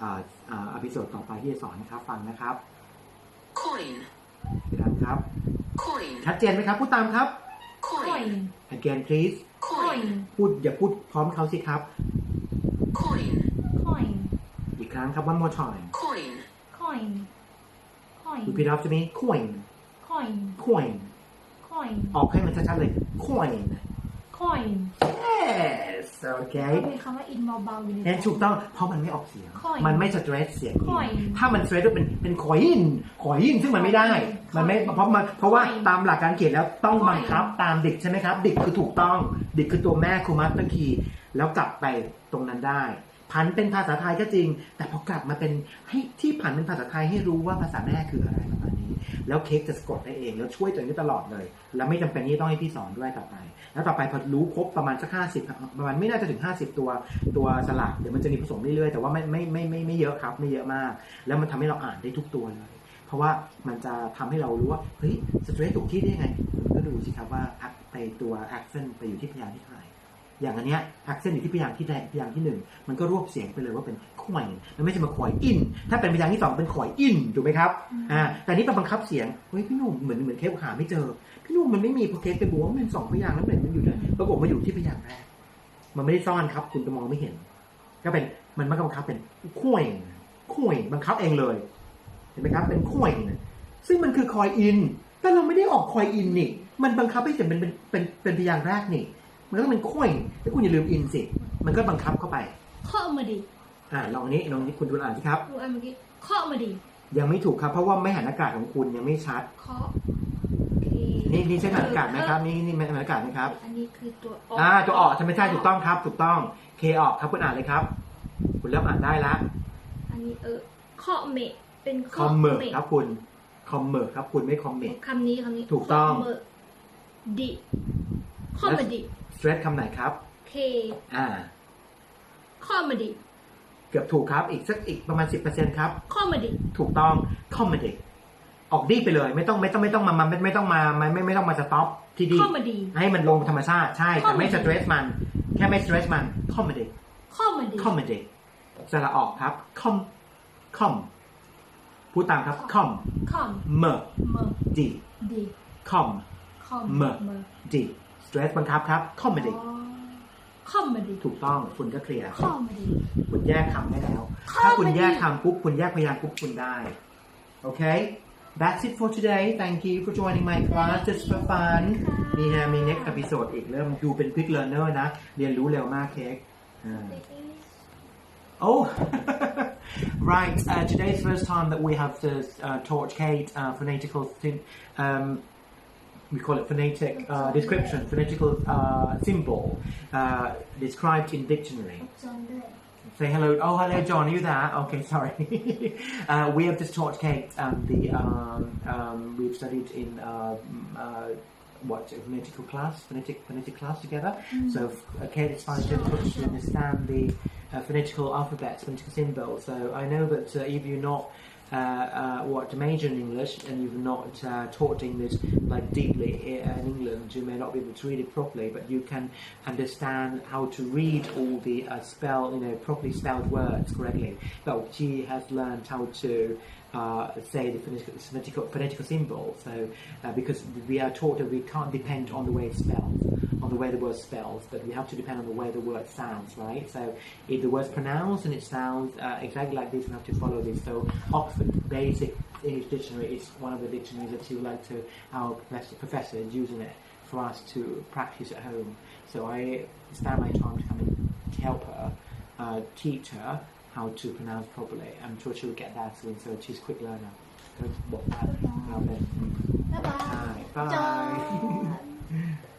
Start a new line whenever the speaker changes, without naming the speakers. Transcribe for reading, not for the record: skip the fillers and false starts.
อพิโซดต่อไปที่จะสอนนะครับฟังนะครับ
coin
พี่ดำครับ
coin
ชัดเจนไหมครับพูดตามครับ
coin
again please
coin
อย่าพูดพร้อมเขาสิครับ
coin
อีกครั้งครับ one more time
coin
repeat after me coin ออกให้มันชัดๆเลย coin yes okay
มีคำว่า in เบาๆอยู่ใน
นั่นถูกต้องเพราะมันไม่ออกเสียง
coin
มันไม่ stress เสียง
coin
ถ้ามัน stress เป็น coin ซึ่งมันไม่ได้ มันไม่เพราะว่าตามหลักการเขียนแล้วต้องบังคับตามดิกใช่ไหมครับดิกคือถูกต้องดิกคือตัวแม่คือ master key แล้วกลับไปตรงนั้นได้ผันเป็นภาษาไทยก็จริงแต่พอกลับมาเป็นให้ที่ผันเป็นภาษาไทยให้รู้ว่าภาษาแม่คืออะไรประมาณนี้แล้วเค้กจะสะกดได้เองแล้วช่วยตัวเองได้ตลอดเลยแล้วไม่จำเป็นที่ต้องให้พี่สอนด้วยต่อไปแล้วต่อไปพอรู้ครบประมาณสัก50ประมาณไม่น่าจะถึง50ตัวสลักเดี๋ยวมันจะมีผสมเรื่อยๆแต่ว่าไม่เยอะครับไม่เยอะมากแล้วมันทำให้เราอ่านได้ทุกตัวเลยเพราะว่ามันจะทำให้เรารู้ว่าเฮ้ยสเตรสถูกที่ได้ยังไงก็ดูสิครับว่าไปตัว accent ไปอยู่ที่พยางค์ที่เท่าไหร่อย่างอันเนี้ย accent อยู่ที่พยางค์ที่1มันก็รวบเสียงไปเลยว่าเป็นข่อยมันไม่ใช่มาข่อยอินถ้าเป็นพยางค์ที่2เป็นข่อยอินถูกไหมครับแต่นี้เป็นบังคับเสียงเฮ้ยพี่หนุ่มเหมือนเค้กหาไม่เจอพี่หนุ่มมันไม่มีพอเค้กไปบอกว่ามันเป็น2พยางค์แล้วมันอยู่นะปรากฏมาอยู่ที่พยางค์แรกมันไม่ได้ซ่อนครับคุณจะมองไม่เห็นก็เป็นมันบังคับเป็นข่อยบังคับเองเลยเห็นไหมครับเป็นข่อยซึ่งมันคือคอยอินแต่เราไม่ได้ออกคอยอินนี่มันบังคับให้เสียงเป็นพยางค์แรกนี่มันก็ต้องเป็นข่อยแล้วคุณอย่าลืมอินสิมันก็บังคับเข้าไป
ข้อมาดี
ลองนี้คุณดูอ่านสิครับ
ดูอันเมื่อกี้ข้อมาดี
ยังไม่ถูกครับเพราะว่าไม่หันอากาศของคุณยังไม่ชัด
ข้อ
นี่ใช่หันอากาศไหมครับนี่หันอากาศไหมครับ
อันนี้คือตัว
ตัวออกใช่ไหมใช่ถูกต้องครับถูกต้องเคออกครับคุณอ่านเลยครับคุณเริ่มอ่านได้ละ
อันนี้ข้อเมะเป็น
คอมเมอร์ครับคุณคอมเมอร์ครับคุณไม่คอมเมท
คำนี้
ถูกต้อง
ดิข้อมาดี
สเตรสคำไหนครับ
เคข้อมาดี
เกือบถูกครับอีกประมาณ 10% ครับ
ข้อมาดี
ถูกต้องคอมเมดี้ออกดีไปเลยไม่ต้องมาไม่ต้องมาสต็อปที่ดีให้มันลงธรรมชาติใช่แต่ไม่สเตรสมันแค่ไม่สเตรสมันคอมเมดี้สระออกครับคอมพูดตามครับคอมเมอร์ดีคอมเมอร์ดีสเตรสบังคับครับคอมเมดี้ถูกต้องคุณก็เคลียร์คุณแยกคำได้แล้วถ้าคุณแยกคำปุ๊บคุณแยกพยางค์ปุ๊บคุณได้โอเค That's it for today Thank you for joining my class just for fun นี่ฮะมี next episode อีกเริ่มดูเป็น quick learner นะเรียนรู้เร็วมากเค้กOh right today's first time that we have to taught Kate phonetical we call it phonetic description, phonetical symbol described in dictionary. Say hello. Oh, hello, John. Are you there? Okay, sorry. We have just taught Kate we've studied in phonetical class, phonetic class together. So Kate is finding it difficult to understand the phonetical alphabets, phonetical symbols. So I know that if you're not to major in English and you've not taught English like deeply in England, you may not be able to read it properly, but you can understand how to read all the properly spelled words correctly. But she has learned how to say the phonetical symbol. So because we are taught that we can't depend on the way it spells, on the way the word spells, but we have to depend on the way the word sounds, right? So if the word's pronounced and it sounds exactly like this, we have to follow this. So Oxford Basic English Dictionary is one of the dictionaries that she would like to, our professor is using it for us to practice at home. So I spend my time to come and help her, teach her how to pronounce properly. I'm sure she will get that soon, so she's a quick learner. So, bye bye. Bye bye.